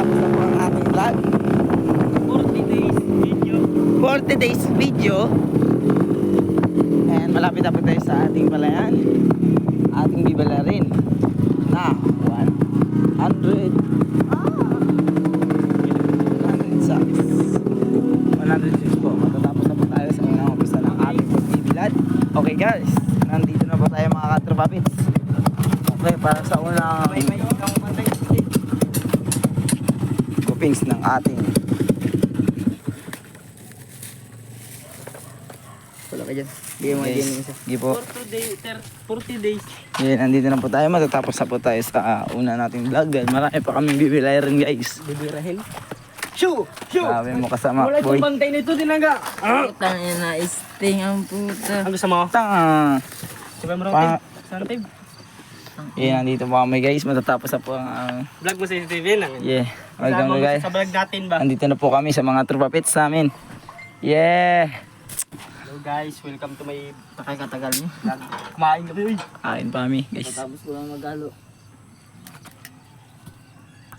matatapos na po ang ating vlog. 40 days video. 40 days video. And malapit na po tayo sa ating palayan. Ating bibala rin na 100 106 po. Matatapos na po tayo sa unang umpisa ng ating pagbibilad. Okay guys, nandito na po tayo mga katrapapits. Okay, para sa unang groupings ng ating wala ka dyan. Bigyan mo Yes. dyan yung isa. Sige po. 40 days. Yan, nandito na po tayo. Matatapos na po tayo sa una nating vlog. Dahil marami pa kaming bibilay rin guys. Baby Rahel. Shoo! Shoo! Sabi mo kasama, Wala boy. itong bantay nito, Dinaga. Putang ina, sting ang puta. Ang gusto mo? Tanga. Sabi mo Pa- rin. Saan tayo? Yan, nandito po kami guys. Matatapos na po ang... Vlog mo sa TV lang. yeah. Welcome guys. Sa vlog natin ba? Nandito na po kami sa mga tropa pits namin. Yeah. Hello guys, welcome to my Pakay katagal mo. vlog. Kumain kami, uy. Kain pa kami guys. Tapos ko lang magalo.